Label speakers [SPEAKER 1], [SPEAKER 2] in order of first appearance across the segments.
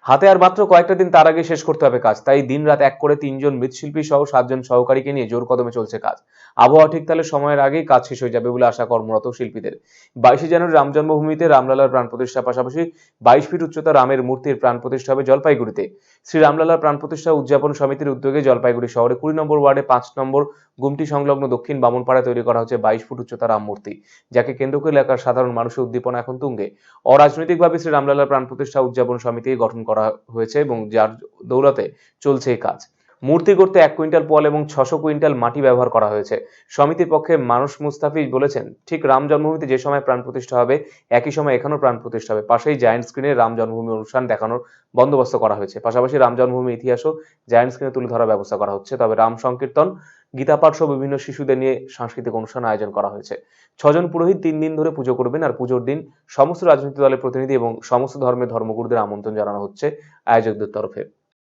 [SPEAKER 1] হাতে আর মাত্র কয়েকটা দিন, তার আগে শেষ করতে হবে কাজ। তাই দিনরাত এক করে ৩ জন মৃৎশিল্পী সহ ৭ জন সহকারীকে নিয়ে জোর কদমে চলছে কাজ। আবহাওয়া ঠিক তাহলে সময়ের আগেই কাজ শেষ হয়ে যাবে বলে আশা কর্মরত শিল্পীদের। ২২শে জানুয়ারি রাম জন্মভূমিতে রামলালার প্রাণ প্রতিষ্ঠার পাশাপাশি ২২ ফিট উচ্চতা রামের মূর্তির প্রাণ প্রতিষ্ঠা হবে জলপাইগুড়িতে। শ্রী রামলালার প্রাণ প্রতিষ্ঠা উদযাপন সমিতির উদ্যোগে জলপাইগুড়ি শহরে ২০ নম্বর ওয়ার্ডে ৫ নম্বর গুমটি সংলগ্ন দক্ষিণ বামুনপাড়ায় তৈরি করা হচ্ছে ২২ ফুট উচ্চতা রাম মূর্তি, যাকে কেন্দ্র করে এলাকার সাধারণ মানুষের উদ্দীপনা এখন তুঙ্গে। অরাজনৈতিকভাবে শ্রী রামলালার প্রাণ প্রতিষ্ঠা উদযাপন সমিতি গঠন করা হয়েছে এবং যার দৌলতে চলছে এই কাজ। মূর্তি করতে ১ কুইন্টাল পোয়াল এবং ৬০০ কুইন্টাল মাটি ব্যবহার করা হয়েছে। সমিতির পক্ষে মানুষ মুস্তাফিজ বলেছেন, ঠিক রাম জন্মভূমিতে যে সময় প্রাণ প্রতিষ্ঠা হবে একই সময় এখানেও প্রাণ প্রতিষ্ঠা হবে। পাশেই জায়ান্ট স্ক্রিনে রাম জন্মভূমি অনুষ্ঠান দেখানোর বন্দোবস্ত করা হয়েছে। পাশাপাশি রাম জন্মভূমি ইতিহাসও জায়ান্ট স্ক্রিনে তুলে ধরার ব্যবস্থা করা হচ্ছে। তবে রাম সংকীর্তন, গীতাপাঠ সহ বিভিন্ন শিশুদের নিয়ে সাংস্কৃতিক অনুষ্ঠান আয়োজন করা হয়েছে। ৬ জন পুরোহিত ৩ দিন ধরে পুজো করবেন। আর পুজোর দিন সমস্ত রাজনৈতিক দলের প্রতিনিধি এবং সমস্ত ধর্মের ধর্মগুরুদের আমন্ত্রণ জানানো হচ্ছে আয়োজকদের তরফে।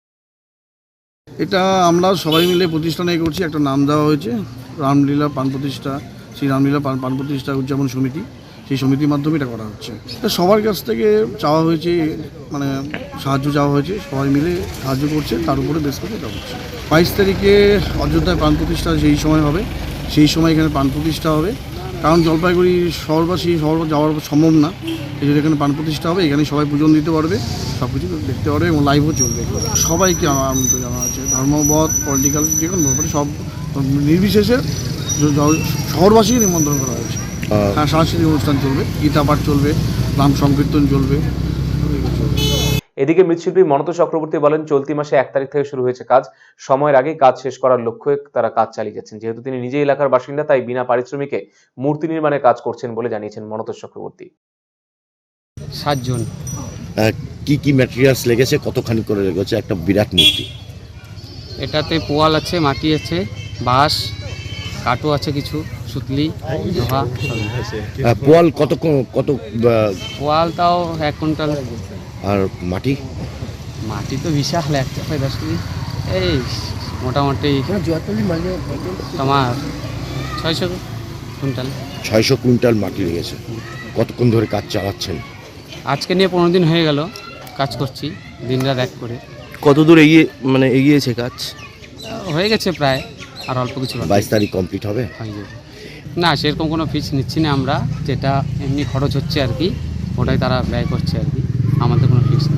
[SPEAKER 2] এটা আমরা সবাই মিলে প্রতিষ্ঠানে করছি, একটা নাম দেওয়া হয়েছে রামলীলা প্রাণ প্রতিষ্ঠা, শ্রী রামলীলা প্রাণ প্রতিষ্ঠা উদযাপন সমিতি। সেই সমিতির মাধ্যমে এটা করা হচ্ছে। এটা সবার কাছ থেকে চাওয়া হয়েছে, মানে সাহায্য চাওয়া হয়েছে, সবাই মিলে সাহায্য করছে, তার উপরে বেশ করে এটা হচ্ছে। ২২ তারিখে অযোধ্যায় প্রাণ প্রতিষ্ঠা সেই সময় হবে, সেই সময় এখানে প্রাণ প্রতিষ্ঠা হবে। কারণ জলপাইগুড়ি শহরবাসী শহর যাওয়ার সম্ভব না, এই জন্য এখানে প্রাণ প্রতিষ্ঠা হবে। এখানে সবাই পূজন দিতে পারবে, সব কিছু দেখতে পারবে এবং লাইভও চলবে। সবাইকে আমন্ত্রণ জানানো হয়েছে, ধর্মমত, পলিটিক্যাল যে কোনো ব্যাপারে সব নির্বিশেষে শহরবাসীকে নিমন্ত্রণ করা হয়েছে। হ্যাঁ, সাংস্কৃতিক অনুষ্ঠান চলবে, গীতাপাঠ চলবে, রাম সংকীর্তন চলবে।
[SPEAKER 1] এদিকে মৃৎশিল্পী মনত চক্রবর্তী বলেন, চলতি মাসে ১ তারিখ থেকে শুরু হয়েছে কাজ। সময়ের আগেই কাজ শেষ করার লক্ষ্যে তারা কাজ চালিয়ে যাচ্ছেন। যেহেতু তিনি নিজেই এলাকার বাসিন্দা, তাই বিনা পারিশ্রমিকে মূর্তি নির্মাণে কাজ করছেন বলে জানিয়েছেন মনত চক্রবর্তী।
[SPEAKER 3] ৭ জন।
[SPEAKER 4] কি কি ম্যাটেরিয়ালস লেগেছে, কতখানি করে লেগেছে একটা বিরাট মূর্তি?
[SPEAKER 3] এটাতে পোয়াল আছে, মাটি আছে, বাঁশ, কাঠও আছে, কিছু সুতলি, লোহা।
[SPEAKER 4] পোয়াল কত?
[SPEAKER 3] পোয়াল তাও ১ কুইন্টাল।
[SPEAKER 4] আর মাটি?
[SPEAKER 3] মাটি তো বিশাল, ১ চাপায় 10 কেজি। এই মোটামুটি তোমার ৬০০ কুইন্টাল।
[SPEAKER 4] ৬০০ কুইন্টাল মাটি লেগেছে। কতক্ষণ ধরে কাজ চালাচ্ছেন?
[SPEAKER 3] আজকে নিয়ে ১৫ দিন হয়ে গেল কাজ করছি, দিনরাত এক করে।
[SPEAKER 5] কত দূর এগিয়েছে কাজ?
[SPEAKER 3] হয়ে গেছে প্রায়, আর অল্প কিছু
[SPEAKER 4] ২২ তারিখ কমপ্লিট হবে?
[SPEAKER 3] হয়ে যাবে। না, সেরকম কোনো ফিস নিচ্ছি না আমরা, যেটা এমনি খরচ হচ্ছে আর কি, ওটাই তারা ব্যয় করছে আর কি, আমাদের কোনো ফিস